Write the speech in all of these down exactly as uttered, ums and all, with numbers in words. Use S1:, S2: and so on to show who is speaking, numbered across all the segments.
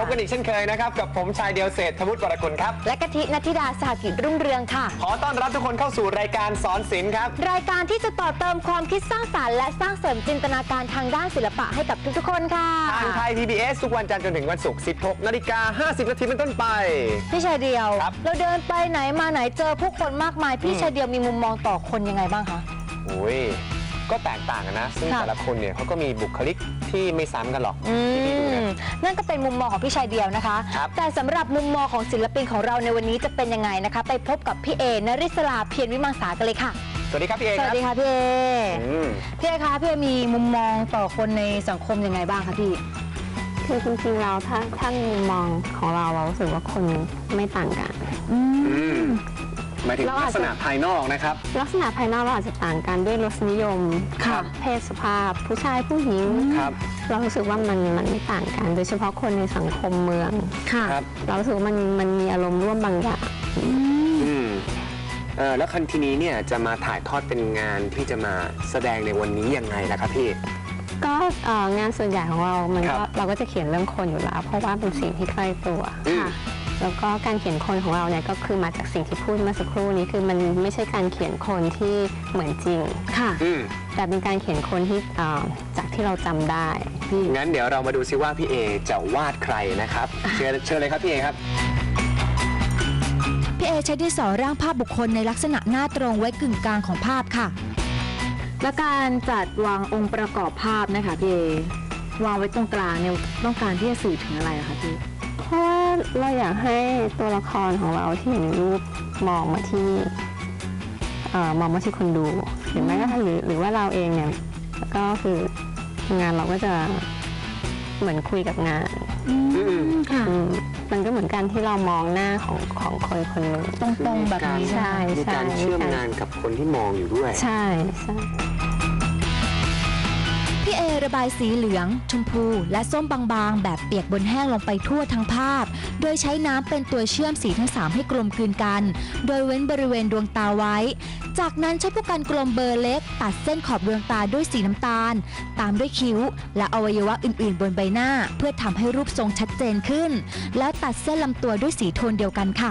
S1: กันอีกเช่นเคยนะครับกับผมชายเดียวเศรษฐวุฒิวรกุลครับ
S2: และกะทินัทธิดาสหกิจรุ่งเรืองค่ะ
S1: ขอต้อนรับทุกคนเข้าสู่รายการสอนศิลป์ครับ
S2: รายการที่จะต่อเติมความคิดสร้างสรรค์และสร้างเสริมจินตนาการทางด้านศิลปะให้กับทุกๆคนค่ะ
S1: ทางไทย พี บี เอส ทุกวันจันทร์จนถึงวันศุกร์ สิบหกนาฬิกาห้าสิบนาทีเป็นต้นไป
S2: พี่ชายเดียวเราเดินไปไหนมาไหนเจอผู้คนมากมายพี่ชายเดียวมีมุมมองต่อคนยังไงบ้างคะ
S1: โอ้ยก็แตกต่างกันนะซึ่งแต่ละคนเนี่ยเขาก็มีบุคลิกที่ไม่ซ้ำกันหรอกที่พี่ดูเนี่ย
S2: นั่นก็เป็นมุมมองของพี่ชายเดียวนะคะแต่สำหรับมุมมองของศิลปินของเราในวันนี้จะเป็นยังไงนะคะไปพบกับพี่เอนริศราเพียรวิมังสากันเลยค่ะ
S1: สวัสดีครับพี่เอ
S2: สวัสดีค่ะพี่เอพี่เอคะพี่เอมีมุมมองต่อคนในสังคมยังไงบ้างคะพี่
S3: คือจริงๆเราถ้าถ้ามุมมองของเราเรารู้สึกว่าคนไม่ต่างกัน
S1: หมายถึงลักษณะภายนอกนะครับ
S3: ลักษณะภายนอกเราอาจจะต่างกันด้วยรสนิยมเพศสภาพผู้ชายผู้หญิงเรารู้สึกว่ามันมันไม่ต่างกันโดยเฉพาะคนในสังคมเมืองเรารู้สึกว่ามันมันมีอารมณ์ร่วมบางอย่าง
S1: แล้วคันทีนี้เนี่ยจะมาถ่ายทอดเป็นงานที่จะมาแสดงในวันนี้ยังไงนะครับพี่
S3: ก็งานส่วนใหญ่ของเรามันก็เราก็จะเขียนเรื่องคนอยู่แล้วเพราะว่าเป็นสิ่งที่ใกล้ตัวค่ะแล้วก็การเขียนคนของเราเนี่ยก็คือมาจากสิ่งที่พูดเมื่อสักครู่นี้คือมันไม่ใช่การเขียนคนที่เหมือนจริง
S2: ค่ะ
S3: แต่เป็นการเขียนคนที่จากที่เราจำได้
S1: งั้นเดี๋ยวเรามาดูซิว่าพี่เอจะวาดใครนะครับเชิญเชิญเลยครับพี่เอครับ
S4: พี่เอใช้ดินสอร่างภาพบุคคลในลักษณะหน้าตรงไว้กึ่งกลางของภาพค่ะ
S2: และการจัดวางองค์ประกอบภาพนะคะพี่เอวางไว้ตรงกลางเนี่ยต้องการที่จะสื่อถึงอะไรคะพี่
S3: เพราะว่าเราอยากให้ตัวละครของเราที่อยู่ในรูปมองมาที่มองมาที่คนดูหรือแม้กระทั่งหรือหรือว่าเราเองเนี่ยก็คืองานเราก็จะเหมือนคุยกับงานมันก็เหมือนกันที่เรามองหน้าของของคนคนหนึ่ง
S2: ตรงๆแบบนี้
S3: ใช่
S1: มีการเชื่อมงานกับคนที่มองอยู่ด้วย
S3: ใช่ใช่
S4: พี่เอระบายสีเหลืองชมพูและส้มบางๆแบบเปียกบนแห้งลงไปทั่วทั้งภาพโดยใช้น้ำเป็นตัวเชื่อมสีทั้งสามให้กลมกลืนกันโดยเว้นบริเวณดวงตาไว้จากนั้นใช้ผู้กันกลมเบอร์เล็กตัดเส้นขอบดวงตาด้วยสีน้ำตาลตามด้วยคิ้วและอวัยวะอื่นๆบนใบหน้าเพื่อทำให้รูปทรงชัดเจนขึ้นแล้วตัดเส้นลำตัวด้วยสีโทนเดียวกันค่ะ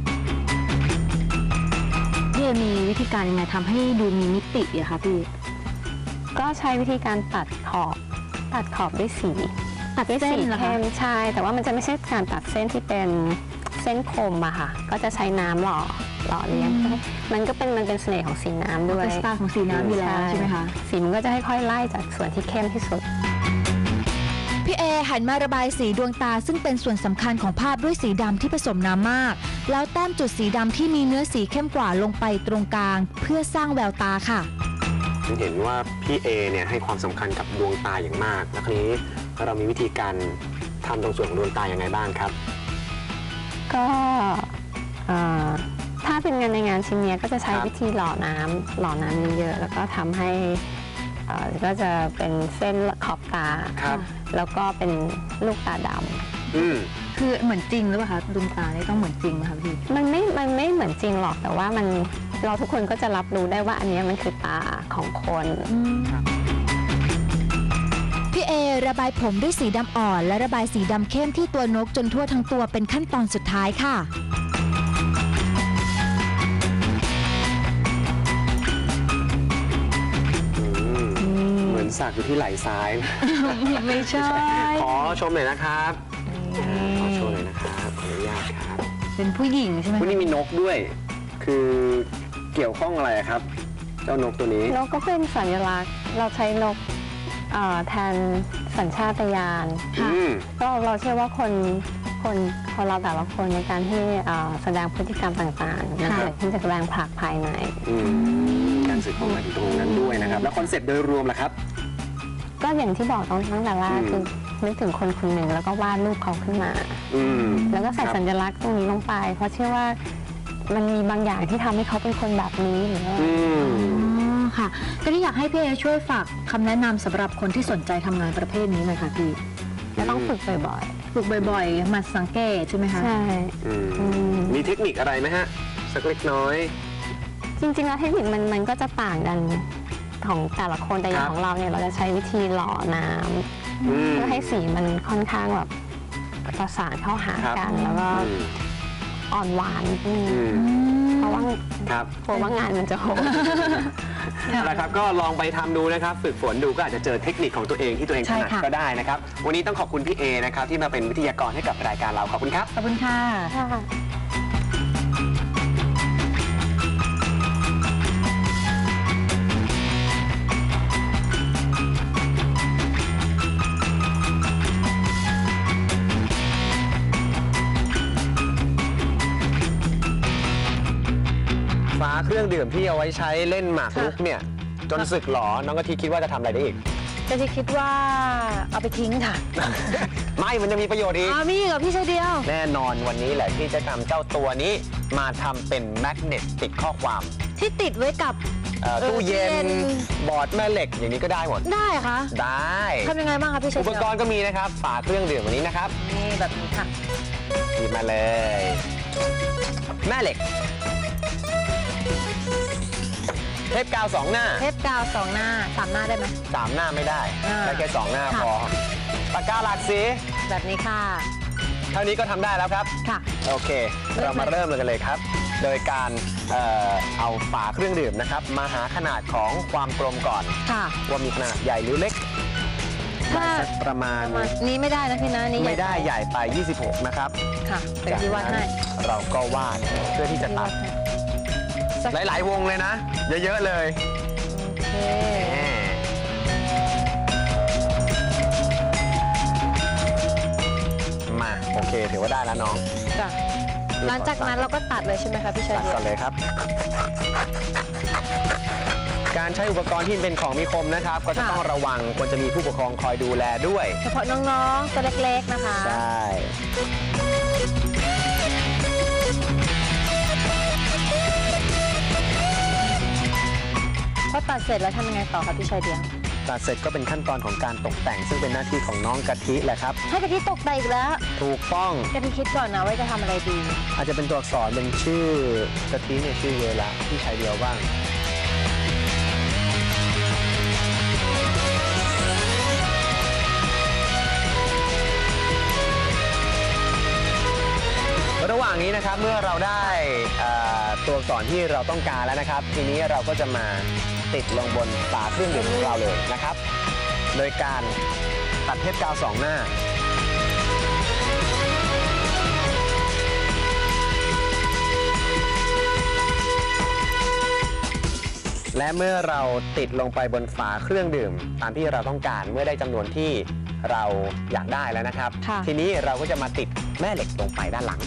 S2: พี่เอมีวิธีการยังไงทำให้ดูมีมิติอะคะพี่
S3: ก็ใช้วิธีการตัดขอบตัดขอบด้วยสีตัดด้วยสีเข้มใช่แต่ว่ามันจะไม่ใช่การตัดเส้นที่เป็นเส้นคมอะค่ะก็จะใช้น้ำหล่อหล่อเลี้ยงมันก็เป็นมันเป็นเสน่ห์ของสีน้ำด้วย
S2: เป็นสไตล์ของสีน้ำอยู่แล้วใช่ไหมคะ
S3: สีมันก็จะค่อยๆไล่จากส่วนที่เข้มที่สุด
S4: พี่เอหันมาระบายสีดวงตาซึ่งเป็นส่วนสำคัญของภาพด้วยสีดำที่ผสมน้ำมากแล้วแต้มจุดสีดำที่มีเนื้อสีเข้มกว่าลงไปตรงกลางเพื่อสร้างแววตาค่ะ
S1: เห็นว่าพี่เอเนี่ยให้ความสำคัญกับดวงตาอย่างมากแล้วคราวนี้เรามีวิธีการทำตรงส่วนของดวงตาอย่างไรบ้างครับ
S3: ก็ถ้าเป็นงานในงานชิ้นนี้ก็จะใช้วิธีหล่อน้ำหล่อน้ำเยอะๆแล้วก็ทำให้ก็จะเป็นเส้นขอบตาแล้วก็เป็นลูกตาด
S2: ำคือเหมือนจริงหรือเปล่าคะดวงตาเนี่ยต้องเหมือนจริงไหมคะพี่
S3: มันไม่มันไม่เหมือนจริงหรอกแต่ว่ามันเราทุกคนก็จะรับรู้ได้ว่าอันนี้มันคือตาของคน
S4: พี่เอระบายผมด้วยสีดำอ่อนและระบายสีดำเข้มที่ตัวนกจนทั่วทั้งตัวเป็นขั้นตอนสุดท้ายค่ะ
S1: เหมือนสักอยู่ที่ไหล่ซ้าย
S2: ไม่ใช่
S1: ขอชมหน่อยนะครับขอโชว์หน่อยนะครับขออนุญาตครับ
S2: เป็นผู้หญิงใช่ไหม
S1: วันนี้มีนกด้วยคือเกี่ยวข้องอะไรครับเจ้านกตัวนี้
S3: นกก็เป็นสัญลักษณ์เราใช้นกแทนสัญชาตญาณก็เราเชื่อว่าคนคนคนเราแต่ละคนในการที่แสดงพฤติกรรมต่างๆมันเกิดขึ้นจากแรงผลักภายใน
S1: การสื่อความหมายตรงนั้นด้วยนะครับแล้วคอนเซ็ปต์โดยรวมล่ะครับ
S3: ก็อย่างที่บอกตั้งแต่แรกคือนึกถึงคนคนหนึ่งแล้วก็วาดรูปเขาขึ้นมาแล้วก็ใส่สัญลักษณ์ตรงนี้ลงไปเพราะเชื่อว่ามันมีบางอย่างที่ทำให้เขาเป็นคนแบบนี้หรือว่า
S2: ค่ะก็ที่อยากให้พี่เอช่วยฝากคำแนะนำสำหรับคนที่สนใจทำงานประเภทนี้หน่อยค่ะพี่
S3: จะต้องฝึกบ่อย
S2: ๆฝึกบ่อยๆมาสังเกตใช่ไหมคะ
S3: ใช่
S1: มีเทคนิคอะไรไหมฮะสักเล็กน้อย
S3: จริงๆแล้วเทคนิคมันมันก็จะต่างกันของแต่ละคนแต่อย่างของเราเนี่ยเราจะใช้วิธีหล่อน้ำเพื่อให้สีมันค่อนข้างแบบประสานเข้าหา
S1: ครับ
S3: กัน แล้วก็
S1: อืม
S3: อ่อนหวานนิดนึง
S1: อืม
S3: เพราะว่า
S1: ครับ
S3: กลัวว่างานมันจะโหด
S1: นะครับก็ลองไปทำดูนะครับ ฝึกฝนดูก็อาจจะเจอเทคนิคของตัวเองที่ตัวเองถ
S2: ใช่
S1: นัด
S2: ค่ะ
S1: ก็ได้นะครับ วันนี้ต้องขอบคุณพี่เอนะครับที่มาเป็นวิทยากรให้กับรายการเราขอบคุณครับ
S2: ขอบคุณค่ะ
S3: ค่ะ
S1: ฟ้าเครื่องดื่มที่เอาไว้ใช้เล่นหมากรุกเนี่ยจนสึกหรอน้องกะทิคิดว่าจะทำอะไรได้อีก
S2: ก็ที่คิดว่าเอาไปทิ้งค่ะ
S1: ไม่มันจะมีประโยชน์อีก
S2: อ๋อมีเหรอพี่ชายเดียว
S1: แน่นอนวันนี้แหละที่จะทำเจ้าตัวนี้มาทำเป็นแมกเนตติดข้อความ
S2: ที่ติดไว้กับ
S1: เอ่อ
S2: เออ
S1: ตู้เย็
S2: ตู้เย็
S1: น
S2: น
S1: บอร์ดแม่เหล็กอย่างนี้ก็ได้หมด
S2: ได้เหรอคะ
S1: ได้
S2: ทำยังไงบ้างคะพี่ชาย
S1: อุป
S2: เดียว
S1: กรณ์ก็มีนะครับฝาเครื่องดื่มวันนี้นะครับ
S2: นี่แบบนี้ค่ะ
S1: หยิบมาเลย แม่เหล็ก เทปกาวสองหน้า
S2: เทปกาวสองหน้าสามหน้าได้ไหม
S1: สามหน้าไม่ได้
S2: อ่า
S1: ได้แค่สองหน้า
S2: ค่ะ
S1: พอปากกาหลากสี
S2: แบบนี้ค่ะ
S1: เท่านี้ก็ทำได้แล้วครับ
S2: ค่ะ
S1: โอเค เรามาเริ่มกันเลยครับ โดยการเอ่อเอาฝาเครื่องดื่มนะครับ มาหาขนาดของความกลมก่อน
S2: ค่ะ
S1: ว่ามีขนาดใหญ่หรือเล็ก
S2: ถ้า
S1: ได้สักประมาณ
S2: ประมาณนี้ไม่ได้นะพี่นะนี่
S1: ไม่ได้ใหญ่ไป ยี่สิบหก นะครับ
S2: ค่ะเป็นที่วัดให้
S1: จากนั้นเราก็วาดเพื่อที่จะตัด
S2: สัก
S1: หลาย ๆ วงเลยนะ เยอะ ๆ เลย
S2: โอเค
S1: แหมมา โอเค ถือว่าได้แล้วน้อง
S2: จ้ะหลังจากนั้นเราก็ตัดเลยใช่ไหมคะพี่ชาย
S1: ตัด
S2: เดีย
S1: ก่
S2: ว
S1: อนเลยครับ การใช้อุปกรณ์ที่เป็นของมีคมนะครับ ก็จะต้องระวังควรจะมีผู้ปกครองคอยดูแลด้วย
S2: เฉพาะน้องๆตัวเล็กๆนะคะ
S1: ใช่
S2: พอตัดเสร็จแล้วทำยังไงต่อคะพี่ชายเดียว
S1: ตัดเสร็จก็เป็นขั้นตอนของการตกแต่ง ซึ่งเป็นหน้าที่ของน้องกะทิแหละครับ
S2: ให้กะทิตกแต่งอีกแล้ว
S1: ถูกต้อง
S2: กะทิคิดก่อนนะว่าจะทำอะไรดี
S1: อาจจะเป็นตัวอักษรเป็นชื่อกะทิเนี่ยชื่อเวลาที่ใช้เดียวบ้าง ระหว่างนี้นะครับเมื่อเราได้เอ่อตัวอักษรที่เราต้องการแล้วนะครับ ทีนี้เราก็จะมาติดลงบนฝาเครื่องดื่มของเราเลยนะครับ โดยการตัดเทปกาวสองหน้า และเมื่อเราติดลงไปบนฝาเครื่องดื่ม ตามที่เราต้องการเมื่อได้จำนวนที่เราอยากได้แล้วนะครับ
S2: ค่ะ
S1: ทีนี้เราก็จะมาติดแม่เหล็กลงไปด้านหลัง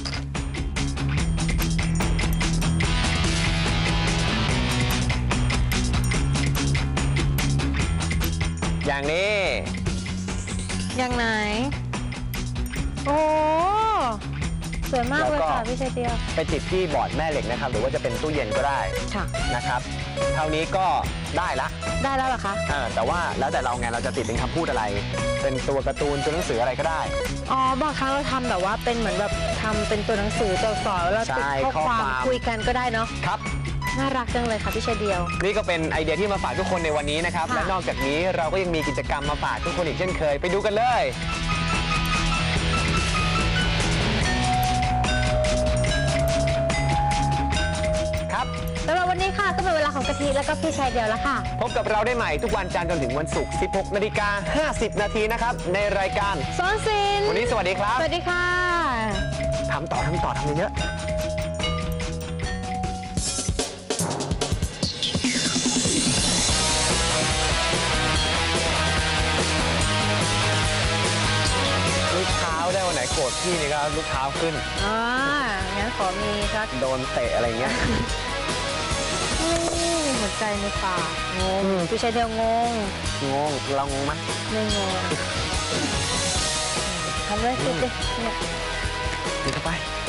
S1: อย่างนี้
S2: อย่างไหน โอ้สวยมากเลยค่ะพี่ชายเดียว
S1: ไปติดที่บอร์ดแม่เหล็กนะครับ หรือว่าจะเป็นตู้เย็นก็ได้
S2: ค่ะ
S1: นะครับ เท่านี้ก็ได้ละ
S2: ได้แล้วเหรอคะ
S1: เออแต่ว่าแล้วแต่เราไงเราจะติดเป็นคำพูดอะไร เป็นตัวการ์ตูนตัวหนังสืออะไรก็ได้
S2: อ๋อบางครั้งเราทำแบบว่าเป็นเหมือนแบบทำเป็นตัวหนังสือตัวอักษรแล้วติด
S1: ใช่
S2: ข้อความ
S1: ข้อความ
S2: คุยกันก็ได้เนาะ
S1: ครับ
S2: น่ารักจังเลยค่ะพี่ชายเดียว
S1: นี่ก็เป็นไอเดียที่มาฝากทุกคนในวันนี้นะครับ
S2: ค่ะ
S1: และนอกจากนี้เราก็ยังมีกิจกรรมมาฝากทุกคนอีกเช่นเคย ไปดูกันเลย ครับ
S2: สำหรับวันนี้ค่ะก็เป็นเวลาของกะทิแล้วก็พี่ชายเดียวแล้วค่ะ
S1: พบกับเราได้ใหม่ทุกวันจันทร์จนถึงวันศุกร์ สิบหกนาฬิกาห้าสิบนาทีนะครับ ในรายการ
S2: สอนศิลป์
S1: วันนี้สวัสดีครับ
S2: สวัสดีค่ะ
S1: ทำต่อทำต่อทำเยอะลูกเท้าได้วันไหนโกรธพี่นี่ก็ลูกเท้าขึ้น
S2: อ่า งั้นขอมีสัก
S1: โดนเตะอะไรเงี้ย
S2: นี่หัวใจในปากงงพี่ชายเดียวงง
S1: งงเรางงไหม
S2: ไม่งงทำเลยสิดิเนี่ย
S1: ดีเข้าไป
S2: อ